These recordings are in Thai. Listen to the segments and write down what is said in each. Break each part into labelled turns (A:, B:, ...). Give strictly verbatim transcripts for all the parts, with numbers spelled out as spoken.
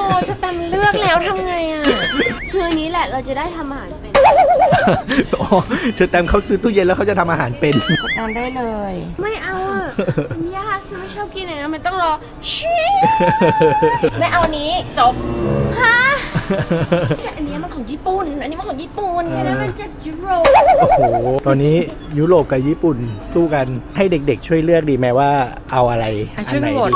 A: จะตำเลือกแล้วทำไงอ่ะ
B: ชื่อนี้แหละเราจะได้ทำอาหารเป็น
C: อ๋อเชอแตมเขาซื้อตู้เย็นแล้วเขาจะทำอาหารเป็น
A: กดนอนได้เลย
B: ไม่เอาอ่ะมันยากฉันไม่ชอบกินอย่างนั้นมันต้องรอชิ
A: ไม่เอาอันนี้จบ
B: ฮะ
A: แต่อันนี้มันของญี่ปุ่นอันนี้มันของญี่ปุ่น
B: อันนั้นมันจากยุโรป
C: โอ้โหตอนนี้ยุโรปกับญี่ปุ่นสู้กันให้เด็กๆช่วยเลือกดีไหมว่าเอาอะไร
A: อ่ะช่วย
C: ไหน
A: โหวต
C: ดี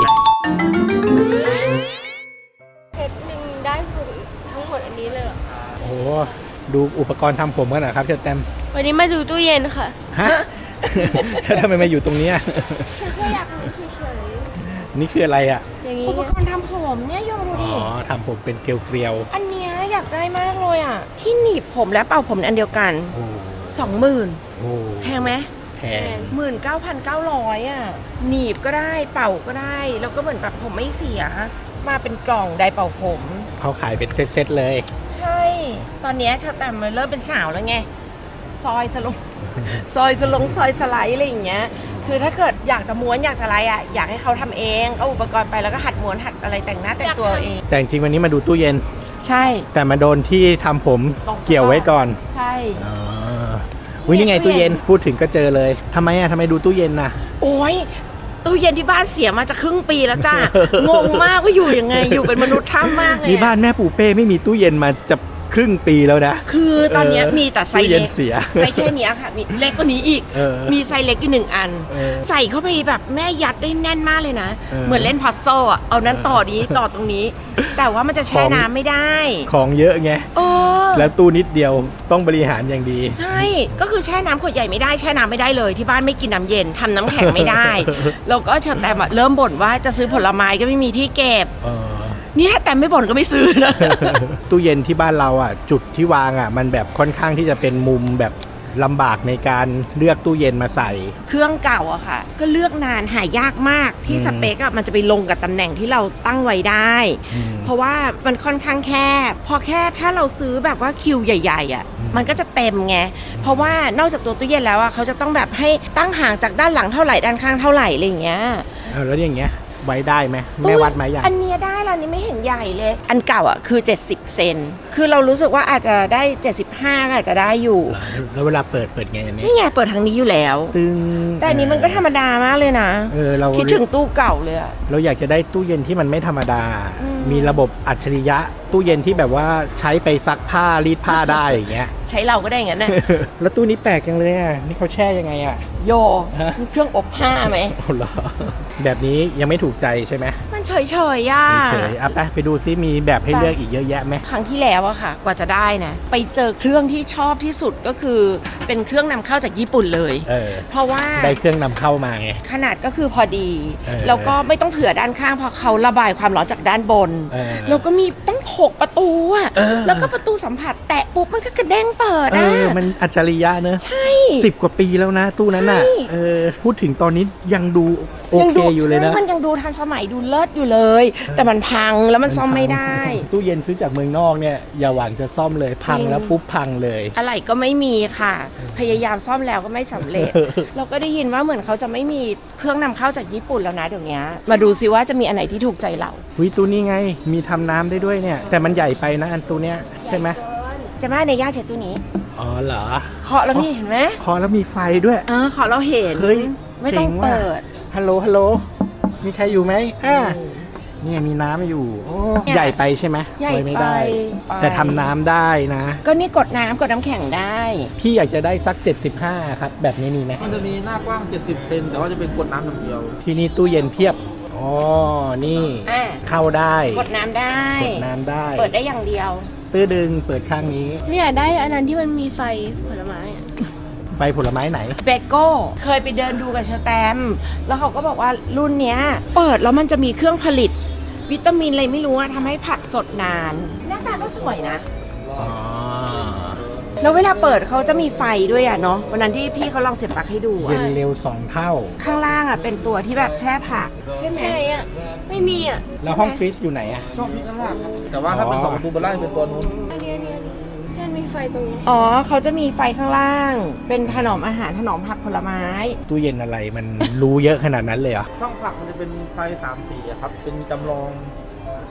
B: เซตหนึ่งได้คือทั้งหมดอันนี้เลยเหรอ
C: โอ้โหดูอุปกรณ์ทำผมกันนะครับเชอแตม
B: วันนี้มาดูตู้เย็นค่ะ
C: ฮะ ถ้าทำไมมาอยู่ตรงเนี้ย
B: ฉันแค่อยากรู้เฉย
C: นี่คืออะไรอ่ะ
B: ๆอย่างนี้
A: อุป
B: เนี่ย
A: กรณ์ทำผมเนี่ยยองดู
C: อ๋
A: ดิ
C: อทำผมเป็นเกลียว
A: อันเนี้ยอยากได้มากเลยอ่ะที่หนีบผมและเป่าผมอันเดียวกัน
C: ๆโอ้
A: สองหมื่น
C: โห
A: แพงไหม
C: แพง
A: หมื่นเก้าพันเก้าร้อยอ่ะหนีบก็ได้เป่าก็ได้แล้วก็เหมือนแบบผมไม่เสียมาเป็นกล่องไดร์เป่าผม
C: เขาขายเป็นเซตๆเลย
A: ใช่ ตอนเนี้ยชาแตมมันเริ่มเป็นสาวแล้วไง ซอยสลง ซอยสลงซอยสไลด์อะไรอย่างเงี้ย คือถ้าเกิดอยากจะม้วนอยากจะอะไรอ่ะ อยากให้เขาทำเองเอาอุปกรณ์ไปแล้วก็หัดม้วนหัดอะไรแต่งหน้าแต่งตัวเอง
C: แต่จริงๆวันนี้มาดูตู้เย็น
A: ใช่
C: แต่มาโดนที่ทำผม
A: ตรงซะ
C: เกี่ยวไว้ก่อน
A: ใช่
C: อ๋อวินี่ไงตู้เย็นพูดถึงก็เจอเลยทำไมอ่ะทำไมดูตู้เย็นน่ะ
A: โอ้ยตู้เย็นที่บ้านเสียมาจะครึ่งปีแล้วจ้า งงมากว่าอยู่ยังไง อยู่เป็นมนุษย์ถ้ำมากเลย
C: นี่
A: อะ
C: บ้านแม่ปู่เป้ไม่มีตู้เย็นมาจะครึ่งปีแล้วนะ
A: คือตอนเนี้ย
C: เออ
A: มีแต่ไซ
C: ตู้
A: ส์
C: เย็
A: เล็
C: น
A: ก
C: เสีย
A: ไซส์แค่เนี้ยค่ะ มีเล็กกว่านี้อีก
C: เออ
A: มีไซส์เล็กอีกหนึ่งอัน
C: เออ
A: ใส่เข้าไปแบบแม่ยัดได้แน่นมากเลยนะ
C: เออ
A: เหมือนเล่นพัซโซอ่ะ เอานั้นต่อนี้ต่อตรงนี้ แต่ว่ามันจะแช่
C: ของ
A: น้ำไม่ได้
C: ของเยอะไง
A: เออ
C: แล้วตู้นิดเดียวต้องบริหารอย่างดี
A: ใช่ ก็คือแช่น้ำขวดใหญ่ไม่ได้แช่น้ำไม่ได้เลยที่บ้านไม่กินน้ำเย็นทำน้ำแข็งไม่ได้ แล้วก็เชิญแต่เริ่มบ่นว่าจะซื้อผลไม้ก็ไม่มีที่เก็บ
C: เออ
A: นี่ถ้าแต่ไม่บ่นก็ไม่ซื้อนะ
C: ตู้เย็นที่บ้านเราอ่ะ จุดที่วางอ่ะ มันแบบค่อนข้างที่จะเป็นมุมแบบลำบากในการเลือกตู้เย็นมาใส่
A: เครื่องเก่าอะค่ะ ก็เลือกนานหายากมากที่
C: อืม
A: สเปคอะมันจะไปลงกับตำแหน่งที่เราตั้งไว้ได้
C: อืม
A: เพราะว่ามันค่อนข้างแคบพอแคบถ้าเราซื้อแบบว่าคิวใหญ่ๆอะ
C: อืม
A: มันก็จะเต็มไงเพราะว่านอกจากตัวตู้เย็นแล้วอะเขาจะต้องแบบให้ตั้งห่างจากด้านหลังเท่าไหร่ด้านข้างเท่าไหร่อะไรอย่างเงี้ย
C: เอาแล้วอย่างเงี้ยไว้ได้ไหมแม่วัดไหมอย่าง
A: อันเนี้ยได้แล้วอันนี้ไม่เห็นใหญ่เลย อันเก่าอะคือเจ็ดสิบเซนคือเรารู้สึกว่าอาจจะได้เจ็ดสิบห้าก็อาจจะได้อยู่
C: แล้วเวลาเปิดเปิดไงอันนี้
A: นี่ไงเปิดทางนี้อยู่แล้ว
C: ตึง
A: แต่อันนี้มันก็ธรรมดามากเลยนะ
C: เออเรา
A: คิดถึงตู้เก่าเลยอะ
C: เราอยากจะได้ตู้เย็นที่มันไม่ธรรมดา
A: อืม
C: มีระบบอัจฉริยะ ตู้เย็นที่แบบว่าใช้ไปซักผ้ารีดผ้าได้อย่างเงี้ย
A: ใช้เราก็ได้อย่างนั้นนะ
C: แล้วตู้นี้แปลกจังเลยอ่ะ นี่เขาแช่ยังไงอ่ะ
A: โย
C: ฮะ
A: มีเครื่องอบผ้าไหม
C: โอ้เหรอแบบนี้ยังไม่ถูกใจใช่ไหม
A: มันเฉยๆย่า
C: เฉยๆอ่ะไปไปดูซิมีแบบให้เลือกอีกเยอะแยะไหม
A: ครั้งที่แล้วอะค่ะ กว่าจะได้นะ ไปเจอเครื่องที่ชอบที่สุดก็คือ เป็นเครื่องนำเข้าจากญี่ปุ่นเลย
C: เออ
A: เพราะว่า
C: ได้เครื่องนำเข้ามาไง
A: ขนาดก็คือพอดี
C: เออ
A: แล้วก็ไม่ต้องเผื่อด้านข้างเพราะเขาระบายความร้อนจากด้านบน
C: เออ
A: แล้วก็มีตั้งหกประตูอะ
C: เออ
A: แล้วก็ประตูสัมผัสแตะปุ๊บมันก็กระเด้งเปิด
C: เอ
A: อะ
C: อ มันอัจฉริยะเนอะ
A: ใช่
C: สิบกว่าปีแล้วนะ ตู้นั้นน่ะ
A: ใช่
C: เออ พูดถึงตอนนี้ยังดูโอ
A: ยัง
C: เค
A: ดู
C: อยู่เลยนะ
A: ใช่มันยังดูทันสมัยดูเลิศอยู่เลย แต่มันพังแล้วมันซ่อมไม่ได้
C: ตู้เย็นซื้อจากเมืองนอกเนี่ยอย่าหวังจะซ่อมเลยพัง
A: จริง
C: แล้วปุ๊บพังเลย
A: อะไรก็ไม่มีค่ะ พยายามซ่อมแล้วก็ไม่สำเร็จ เราก็ได้ยินว่าเหมือนเขาจะไม่มีเครื่องนำเข้าจากญี่ปุ่นแล้วนะเดี๋ยวนี้มาดูซิว่าจะมีอันไหนที่ถูกใจเรา
C: วิตู้นี้ไง มีทำน้ำได้ด้วยเนี่ย แต่มันใหญ่ไปนะอันตู้เนี้ยใช่ไหม
A: จะมาในย่าเช็ดตู้นี้
C: อ๋อเหรอ
A: เคาะแล้วนี่เห็นไหม
C: คอแล้วมีไฟด้วย
A: เออเคาะเราเห็น
C: เฮ้ย
A: ไม่ต้อง
C: เจ๋งว่ะ
A: เปิด
C: ฮัลโหล ฮัลโหล มีใครอยู่ไหมอ่าเนี่ยมีน้ำอยู่ โอ้
A: เนี่ย
C: ใหญ่ไปใช่ไหม
A: ใหญ่
C: ไว้ไม่ได้
A: ไป
C: แต่ทำน้ำได้นะ
A: ก็นี่กดน้ำกดน้ำแข็งได้
C: พี่อยากจะได้สักเจ็ดสิบห้าครับ แบบนี้มีไหม
D: มันจะมีหน้ากว้าง เจ็ดสิบ เซน แต่ว่าจะเป็นกดน้ำอย่างเดียว
C: ที่นี่ตู้เย็นเพียบ อ๋อ นี่
A: อ่ะ
C: เข้าได้
A: กดน้ำได้
C: กดน้ำได้
A: เปิดได้อย่างเดียว
C: ตื้อดึง เปิดข้างนี้
B: ฉันอยากได้อันนั้นที่มันมีไฟผลไม้อะ
C: ไฟผลไม้ไหน
A: เบโก้เคยไปเดินดูกับเชอแตมแล้วเขาก็บอกว่ารุ่นเนี้ย เปิดแล้วมันจะมีเครื่องผลิต วิตามินอะไรไม่รู้อะทำให้ผักสดนาน หน้าตาก็สวยนะ
C: อ๋อ
A: แล้วเวลาเปิดเขาจะมีไฟด้วยอะเนาะวันนั้นที่พี่เขาลองเสียบปลั๊กให้ดู
C: เย็
A: อะ
C: นเร็วสองเท่า
A: ข้างล่างอะเป็นตัวที่แบบแช่ผัก ใช่ไหม
B: ใช่อ่ะ ไม่มีอ่ะ
C: แล้วห้องฟรีซอยู่ไหนอะ
D: ช่องพิกข้างล่างครับแต่ว่าถ้าเป็น
C: อ๋อ
D: สองประตูบนล่างจะเป็นตัวนู้น
B: อันนี้อันนี้อันนี้มันมีไฟตรงนี้
A: อ๋อเขาจะมีไฟข้างล่าง เป็นถนอมอาหารถนอมผักผลไม้
C: ตู้เย็นอะไรมันรู้เยอะขนาดนั้นเลยเหรอ
D: ช่องผักมันจะเป็นไฟสามสีอะครับ เป็นจำลองแส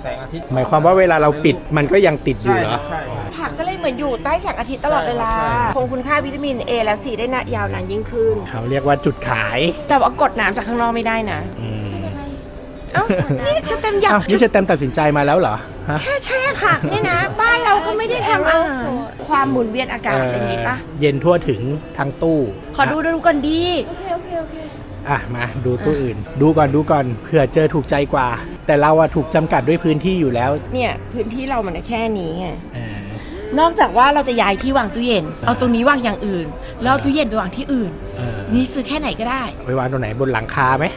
D: สงอาทิตย์
C: หมายความว่าเวลาเราปิดมันก็ยังติดอยู่เหรอ
D: ใช่ครับ
A: ผักก็เลยเหมือนอยู่ใต้แสงอาทิตย์ตลอดเวลา
D: ใช่ครับ
A: คงคุณค่าวิตามิน A และ C ได้นะยาวนานยิ่งขึ้น
C: เขาเรียกว่าจุดขาย
A: แต่ว่ากดน้ำจากข้างนอกไม่ได้นะ
C: อืม
B: ไม่เป็นไร
A: เอ้านี่ฉันเต็มอยาก
C: อ้าวนี่จะเต็มตัดสินใจมาแล้วเหรอฮะ
A: แค่แช่ผักเนี่ยนะ บ้านเราก็ไม่ได้ทำอาหารความหมุนเวียนอากาศเป็นนี้ปะ
C: เย็นทั่วถึงทั้งตู้
A: ขอดูดูก่อนดี
B: โอเค โอเค โอเค
C: อ่ะมาดูตู้อื่น ดูก่อนดูก่อนเผื่อเจอถูกใจกว่า แต่เราอะถูกจำกัดด้วยพื้นที่อยู่แล้ว
A: เนี่ยพื้นที่เรามันแค่นี้ไง
C: เออน
A: อกจากว่าเราจะย้ายที่วางตู้เย็น เอาตรงนี้วางอย่างอื่น แล้วเอาตู้เย็นไปวางที่อื่น
C: เออ
A: นี่ซื้อแค่ไหนก็ได้
C: ไปวางตรงไหนบนหลังคาไหม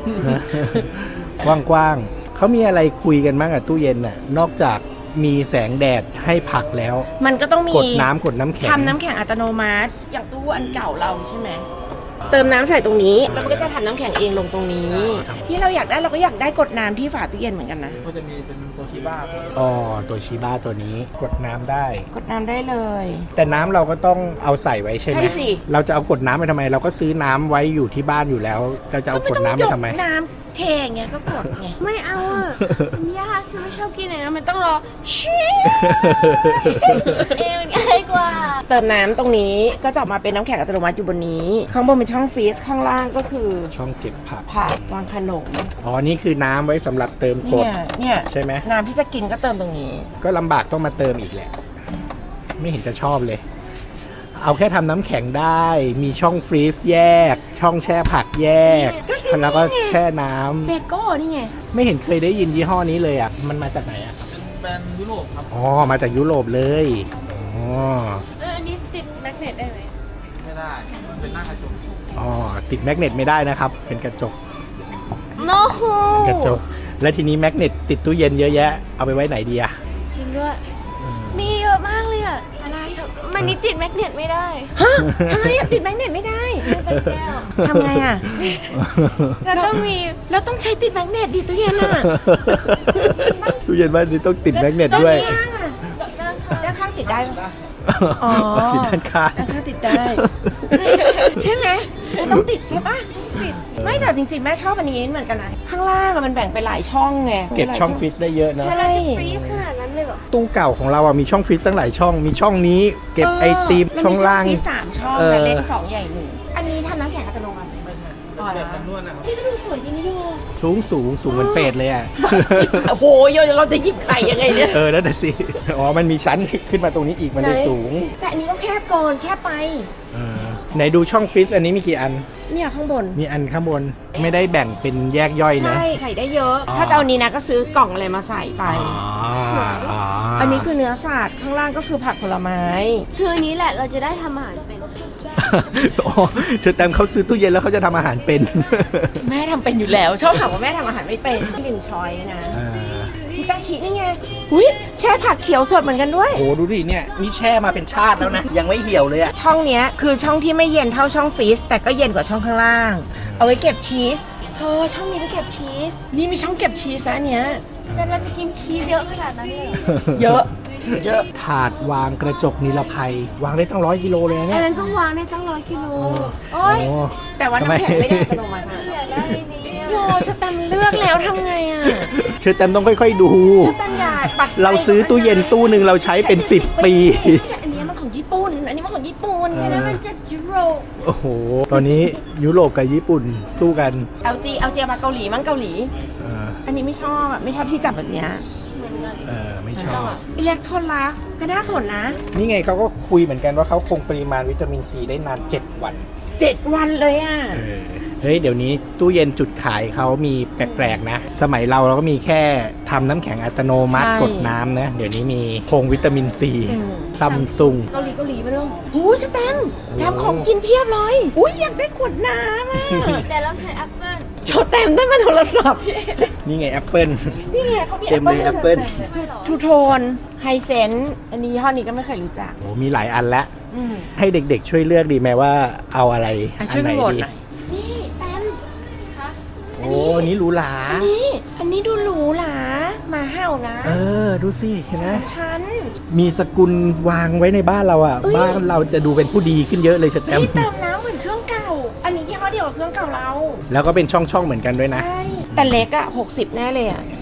C: กว้างๆเขามีอะไรคุยกันบ้างอะตู้เย็นน่ะนอกจากมีแสงแดดให้ผักแล้ว
A: มันก็ต้องมี
C: กดน้ำกดน้ำแข็ง
A: ทำน้ำแข็งอัตโนมัติ อย่างตู้อันเก่าเราใช่ไหม เติมน้ำใส่ตรงนี้ แล้วมันก็จะทำน้ำแข็งเองลงตรงนี้ ที่เราอยากได้เราก็อยากได้กดน้ำที่ฝาตู้เย็นเหมือนกันนะ
D: ก็จะมีเป็นโตชิบ้า
C: อ๋อตัวชีบ้าตัวนี้กดน้ำได้
A: กดน้ำได้เลย
C: แต่น้ำเราก็ต้องเอาใส่ไว้ใช่ไหม
A: ใช่สิ
C: เราจะเอากดน้ำไปทำไม เราก็ซื้อน้ำไว้อยู่ที่บ้านอยู่แล้ว เราจะเอากดน้ำไปทำไม
A: ก็ไม่ต้องยกน้ำเทอย่างเงี้ยก็กดไง
B: ไม่เอาอ่ะ มันยากฉันไม่ชอบกินอย่างนั้นมันต้องรอชิเองมันง่ายกว่า
A: เติมน้ำตรงนี้ก็จะออกมาเป็นน้ำแข็งอัตโนมัติอยู่บนนี้ ข้างบนเป็นช่องฟรีซข้างล่างก็คือ
C: ช่องเก็บผัก
A: ผักวางขนม
C: อ๋อ นี่คือน้ำไว้สำหรับเติมก
A: เนี่
C: ด
A: ยเนี่ย
C: ใช่ไหม
A: น้ำที่จะกินก็เติมตรงนี้
C: ก็ลำบากต้องมาเติมอีกแหละ ไม่เห็นจะชอบเลย เอาแค่ทำน้ำแข็งได้ มีช่องฟรีซแยก ช่องแช่ผักแยก
A: ก็คือ
C: แล้วก็
A: นี่ไง
C: แช่น้ำ
A: เบโก้นี่ไง
C: ไม่เห็นเคยได้ยินยี่ห้อนี้เลยอ่ะ มันมาจากไหนอ่ะ
D: เป็นแบรนด์ยุโรปครับ
C: อ๋อ มาจากยุโรปเลย อ๋อ
B: เอออันนี้ติดแมกเนตได้ไหม
D: ไม่ได้ มันเป็นหน้ากระจก
C: อ๋อ ติดแมกเนตไม่ได้นะครับ เป็นกระจก
B: โน้โห
C: กระจก และทีนี้แมกเนตติดตู้เย็นเยอะแยะ เอาไปไว้ไหนดีอ่ะ
B: จริงด้วย มีเยอะมากเลยอ่ะ
A: อะไร
B: มันนี่ติดแมกเนตไม่ได้
A: ฮะทำไมอะติดแมกเนตไม่ได้
B: เป็นแก้ว
A: ทำไงอ่ะ
B: เราต้องมี
A: เราต้องใช้ติดแมกเนตดิตู้เย็นอ่ะ
C: ตู้เย็นบ้านนี้ต้องติดแมกเนตด้วย
A: ด้านข้างอะ
B: ด้านข้าง
A: ด้านข้างติดได้ปะ อ๋อ
C: ติดด้านข้าง
A: ด้านข้างติดได้ ใช่ไหมไม่ต้องติดใช่ปะติด ไม่แต่จริงๆแม่ชอบอันนี้เหมือนกันนะ ข้างล่างอะมันแบ่งเป็นหลายช่องไง
C: เก็บช่องฟรีซได้เยอะนะ
A: ใช่
B: เราจะฟรีซขนาดนั้นเลยเหรอ
C: ตู้เก่าของเราอ่ะมีช่องฟรีซตั้งหลายช่อง มีช่องนี้ เก็บไอติม
A: มัน
C: ช่องล่าง
A: มีสามช่อง
C: เออ
A: แต่เล็กสองใหญ่หนึ่งอันนี้ทำน้ำแข็งอัตโนมัติ
D: ไม่ใช่
A: อ๋อ
D: แบบมันนวดนะครับ
A: นี่ก็ดูสวยดีนี่ดู
C: สูงสูงสูงเหมือนเป็ดเลยอ่ะ
A: โอ้โหโยเราจะหยิบไข่ยังไงเนี่ย
C: เออนั่นน่ะสิ อ๋อ มันมีชั้นขึ้นมาตรงนี้อีก มันเลย
A: ไหน
C: สูง
A: แต่อันนี้ก็แคบก่อนแคบไป
C: เออไหนดูช่องฟรีซอันนี้มีกี่อัน
A: เนี่ยข้างบน
C: มีอันข้างบน ไม่ได้แบ่งเป็นแยกย่อยนะ
A: ใช่ใส่ได้เยอะ
C: อ๋อ
A: ถ้าจะเอานี้นะก็ซื้อกล่องอะไรมาใส่ไป
C: อ๋ออ๋อ
A: อันนี้คือเนื้อสัตว์ข้างล่างก็คือผักผลไม้
B: ซื้ออันนี้แหละเราจะได้ทำอาหารเป็น
C: อ๋อเชอแตมเขาซื้อตู้เย็นแล้วเขาจะทำอาหารเป็น
A: แม่ทำเป็นอยู่แล้ว ชอบถามว่าแม่ทำอาหารไม่เป็นหนึ่งช้อยนะ
C: อ่า
A: พิตาชินี่ไงอุ้ยแช่ผักเขียวสดเหมือนกันด้วย
C: โอ้ดูดิเนี่ยนี่แช่มาเป็นชาติแล้วนะ ยังไม่เหี่ยวเลยอ่ะ
A: ช่องเนี้ยคือช่องที่ไม่เย็นเท่าช่องฟรีซแต่ก็เย็นกว่าช่องข้างล่าง เอาไว้เก็บชีสเธอช่องนี้ไว้เก็บชีสนี่มีช่องเก็บชีสนะอันเนี้ย
B: แต่เราจะกินชีสเยอะขนาดนั้นเลยเหรอ
A: เยอะ เยอะ
C: ถาดวางกระจกนิรภัย วางได้ตั้งร้อยกิโลเลยนะ
B: อั
C: เนี่
B: น
C: ย
B: นั้นก็วางได้ตั้งร้อยกิโล
C: โอ้
B: โอ้ย
A: แต่ว่าน้ำแข็งไม่ได้อัตโนมัติ
B: อยากได้อันนี้
A: โยชะแตมเลือกแล้วทำไงอ่ะ
C: เชอแตมต้องค่อยๆดู
A: ชะแตมอยากปักใจ
C: เราซื้อตู้เย็นตู้หนึ่งเราใช้เป็นสิบปี
A: แต่อันเนี้ยมันของญี่ปุ่น อันนี้มันของญี่ปุ่น
C: เอ
B: อัน
C: อ
B: นั้นมันจากยุโรป
C: โอ้โห ตอนนี้ยุโรปกับญี่ปุ่นสู้กัน
A: เอลจีเอลจีมาเกาหลีมั้งเกาหลี
C: เออ
A: อันนี้ไม่ชอบอ่ะไม่ชอบที่จับแบบเนี้ย
B: เหมือนกัน
C: เออไม่ชอบ
A: อิเล็กโทรลักก็น่าสนนะ
C: นี่ไงเขาก็คุยเหมือนกันว่าเขาคงปริมาณวิตามินซีได้นานเจ็ดวัน
A: เจ็ดวันเลยอ่ะ
C: เออเฮ้ยเดี๋ยวนี้ตู้เย็นจุดขายเขามีแปลกๆนะ สมัยเราเราก็มีแค่ทำน้ำแข็งอัตโนมัติ
A: ใช่
C: กดน้ำนะ เดี๋ยวนี้มีพงวิตามินซี
A: อืม
C: ซัมซุง
A: เกาหลีเกาหลีมาเร็วหูสแตมแถมของกินเพียบเลย อุ้ยอยากได้ขวดน้ำอ่ะ
B: แต่เราใช้แอปเปิล
A: โชว์แตมได้มาโทรศัพท์
C: นี่ไงแอปเปิล
A: นี่ไงเขามี
C: เต็มเลย Apple
A: ทูโทนไฮเซนอันนี้ยี่ห้อนี้ก็ไม่เคยรู้จัก
C: โอ้มีหลายอันแล้ว
A: อืม
C: ให้เด็กๆช่วยเลือกดีไหมว่าเอาอะไร
A: อ่ะ
C: อั
A: ช่วย
C: ไหน
A: กันโหวต
C: ดี
A: หน่อยนี่แตม
C: โอ้อันนี้หรูหรา
A: อันนี้ อันนี้ดูหรูหราหมาเห่านะ
C: เออ ดูสิเห็นไหม
A: สามชั้น
C: มีสกุลวางไว้ในบ้านเราอ่ะ
A: เอ้ย
C: บ้านเราจะดูเป็นผู้ดีขึ้นเยอะเลยสแตม
A: นี่
C: ป์
A: เติมน้ำเหมือนเครื่องเก่า อันนี้ยี่ห้อเดียวกับเครื่องเก่าเรา
C: แล้วก็เป็นช่องๆเหมือนกันด้วยนะ
A: ใช่ แต่เล็กอะหกสิบแน่เลยอะ
C: อืม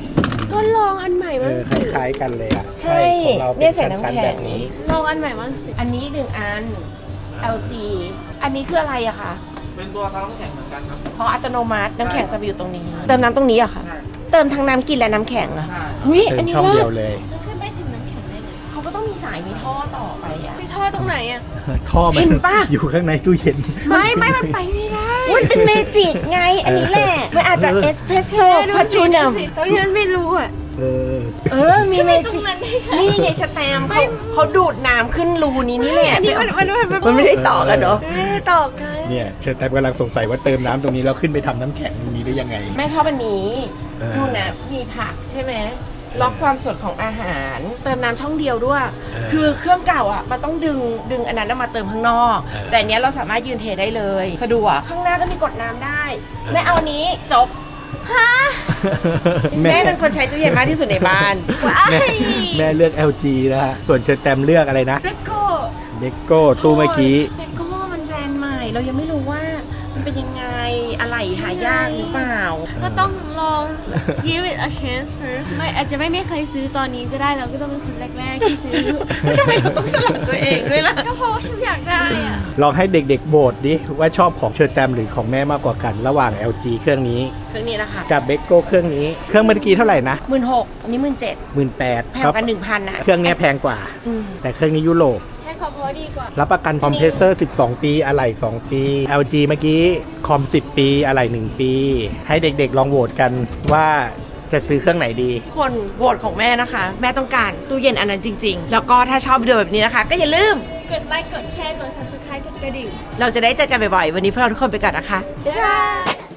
B: ก็ลองอันใหม่
C: เอ
B: บ้าง
C: อค
B: สิ
C: ล้ายๆกันเลยอ่ะ
A: ใช่
C: ของเรา
A: เนี่
C: เป็
A: ย
C: น
A: ใส่น้ำ
C: ชั้น
A: แข็ง
C: ๆแบบนี้
B: ลองอันใหม่บ้างสิ
A: อันนี้หนึ่งอัน แอล จี อันนี้คืออะไรอะคะ
D: เป็นตัวทำน้ำแข็งเหมือนกันครับ
A: เพราะอัตโนมัติน้ำแข็งจะไปอยู่ตรงนี้ เติมน้ำตรงนี้อะค่ะ
D: ใช่
A: เติมทั้งน้ำกินและน้ำแข็งอะ
D: ใช่
A: หุ้ย
C: เติ
A: อัน
C: ม
A: นี้
C: ช่อง
A: เลิ
C: เดี
A: ศ
C: ยวเลย
B: แล้วขึ้นไปถึงน้ำแข็งได้ไง
A: เขาก็ต้องมีสายมีท่อต่อไปอะ
B: ไปท่อตรงไหนอ่ะ
C: ท่อมัน
A: เห็นปะ
C: อยู่ข้างในตู้เย็น
B: ไม่ไม่มันไปไม่ได้
A: มันเป็นเมจิกไง อันนี้แหละมันอาจจะเอสเพรสโซ่
B: แม่ดู
A: พัช
B: สิ
A: ชู
B: ดู
A: นัม
B: สิตรงนี้มันไม่รู้อ่ะ
C: เออ
A: เออ มีเม
B: ตร
A: จิ
B: ง
A: ก
B: นั้นได้ไง
A: นี่ไงสแตมป์เขาเขาดูดน้ำขึ้นรูนี้นี่แหละ
B: อันนี้มันมันมัน
A: มันไม่ได้ต่อกันเนาะ
B: ไม่ได้ต่อกัน
C: เนี่ยเชิญแตมกำลังสงสัยว่าเติมน้ำตรงนี้แล้วขึ้นไปทำน้ำแข็งตรงนี้ได้ยังไง
A: แม่ชอบอันนี้
C: เออ
A: ดูนะมีผักใช่ไหมล็อกความสดของอาหาร เติมน้ำช่องเดียวด้วย
C: เออ
A: คือเครื่องเก่าอ่ะมันต้องดึงดึงอันนั้นมาเติมข้างนอก
C: เออ
A: แต่อันเนี้ยเราสามารถยืนเทได้เลย สะดวกข้างหน้าก็มีกดน้ำได้แม่เอาอันนี้จบแม่เป็นคนใช้ตู้เย็นมากที่สุดในบ้าน
B: ว้า
C: แม่
B: ย
C: แม่เลือก แอล จี นะฮะ ส่วนเชิญแตมเลือกอะไรนะ
B: เบโก้
C: เบโก้ตู้เมื่อกี้
A: เบโก้มันแบรนด์ใหม่ เรายังไม่รู้ว่ามันเป็นยังไงอะไรหายากหรือเปล่า
B: ก็ต้องลอง give it a chance first ไม่อาจจะไม่มีใครซื้อตอนนี้ก็ได้เราก็ต้องเป็นคนแรกๆที่ซื้อ
A: ทำไมเราต้องสลับตัวเองด้วยล่ะ
B: ก็เพราะว่าฉันอยากได้อ่ะ
C: ลองให้เด็กๆโบทดิว่าชอบของเชิญแตมหรือของแม่มากกว่ากัน ระหว่าง แอล จี เครื่องนี้
A: เครื่องนี้นะคะ
C: กับเบโก้เครื่องนี้ เครื่องเมื่อกี้เท่าไหร่นะ
A: หมื่นหกอันนี้หมื่นเจ็ด
C: หมื่นแปด
A: แพงกันหนึ่งพันนะ
C: เครื่องเนี้ยแพงกว่า
A: อืม
C: แต่เครื่องนี้ยุโรป
B: ให้ความพอดีกว่า
C: รับประกันคอมเพรสเซอร์ สิบสอง ปี อะไหล่ สอง ปี แอล จี เมื่อกี้คอม สิบ ปี อะไหล่ หนึ่ง ปี ให้เด็กๆลองโหวตกันว่าจะซื้อเครื่องไหนดี
A: คนโหวตของแม่นะคะ แม่ต้องการตู้เย็นอันนั้นจริง ๆ แล้วก็ถ้าชอบวิดีโอแบบนี้นะคะ ก็อย่าลืม
B: กดไลค์ กดแชร์ กด subscribe กดกระดิ่ง
A: เราจะได้เจอกันบ่อยๆ วันนี้พวกเราทุกคนไปก่อนนะคะ
B: บ๊ายบาย